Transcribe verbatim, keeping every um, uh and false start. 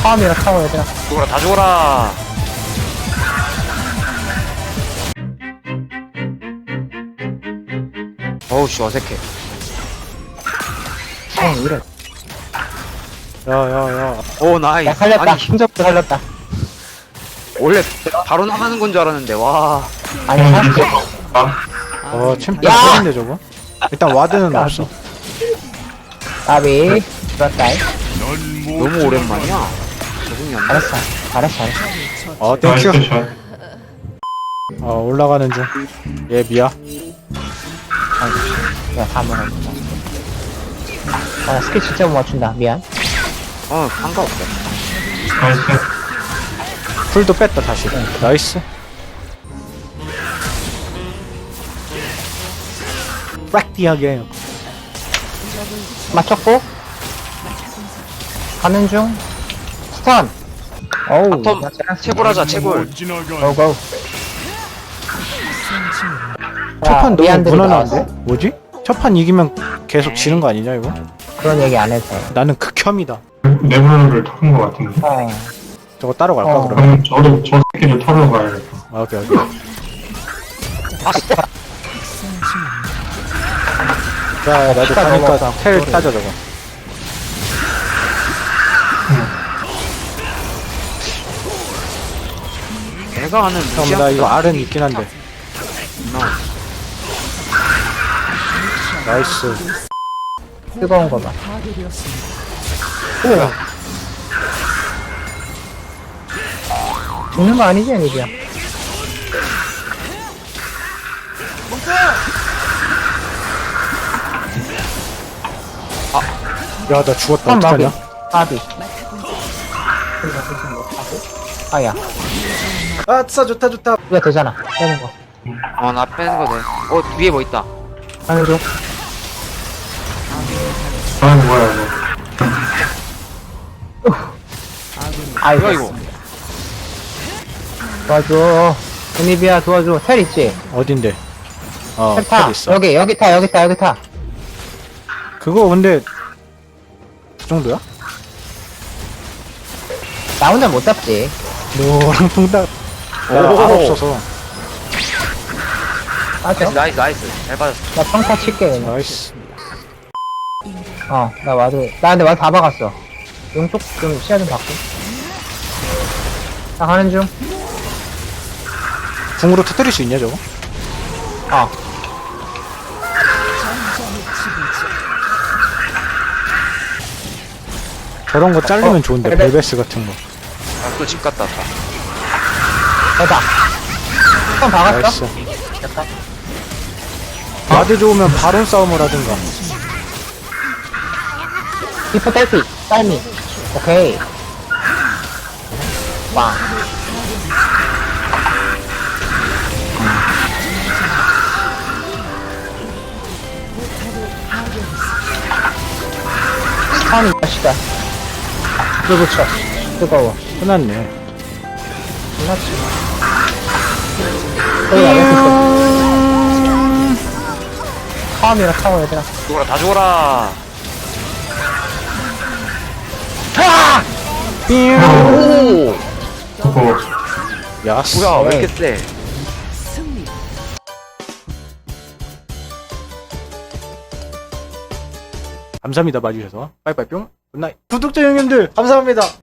타워미라 타워 얘들아. 죽어라 다 죽어라. 어우씨 어색해. 어 이래. 야야야 오 나이스. 야 살렸다. 아니 힘접도 살렸다. 원래 바로 나가는 건 줄 알았는데 와. 아니 사실 어 챔피언 야! 세인데 저거? 일단 와드는 없어. 까비 들었다이. 너무 오랜만이야. 적응이 안 돼. 잘했어 잘했어 잘했어. 어 땡큐. 어 올라가는 중. 얘 미야. 아이고 야다 먹었다. 아 스킬 진짜 못 맞춘다. 미안. 어 상관없어. 풀도 뺐다 다시. 나이스. 빡디하게. 맞췄고 가는 중. 스턴. 어우 바텀 나 쟤랑 채굴하자 채굴. 고고. 첫판 너무 미안들이 무난한데? 나왔어. 뭐지? 첫판 이기면 계속 지는 거 아니냐 이거? 그런 얘기 안 해도 돼. 나는 극혐이다. 네브라를 털은 것 같은데. 어. 저거 따로 갈까 어. 그러면? 그럼 저도 저 새끼를 털어 가야겠다. 아, 오케이 오케이. 자 나도 시간 가니까 넘어서. 텔 그래. 따져 저거. 내가 아는 형 나 이거 알은 있긴 한데. 나이스. 뜨거운 거 봐. 오. 죽는 거 아니지, 애니비야? 야 나 죽었다 한 마비. 어떡하냐? 마비. 아야. 아싸 좋다 좋다. 이거 되잖아. 빼는 거. 어나 빼는 거 돼. 어 위에 뭐 있다. 하는 중. 아 뭐야 이거. 아이고. 뭐야 이거. 도와줘. 애니비야 도와줘. 텔 있지? 어딘데? 어, 텔 타. 텔 있어. 여기, 여기 타, 여기 타, 여기 타. 그거 근데 그 정도야? 나 혼자 못 잡지. 노랑 통닭. 나 오. 알 없어서. 맞아. 나이스 나이스 잘 받았어. 나 평타 칠게, 그냥. 나이스. 어, 나 와드. 나 근데 와드 다 박았어. 용쪽 좀 시야 좀 받고. 나 가는 중. 궁으로 터뜨릴 수 있냐 저거? 어. 저런 거 자르면 어, 좋은데 벨벳. 벨베스 같은 거. 아또 집 갔다 왔다. 됐다. 한번 박았어? 나이스. 됐다. 와드 좋으면 바론 싸움을 하든가. 히퍼 텔피, 딸미. 오케이. 와. 스턴이 맛있다. 불 붙여. 뜨거워. 끝났네. 끝났지. 거기 안에 있어. 타워미라 타워 얘들아. 죽어라 다 죽어라. 아! 오 그거 야스. 뭐야 왜 이렇게 세? 감사합니다 봐주셔서. 빠이빠이 뿅. 굿나잇. 구독자 형님들 감사합니다.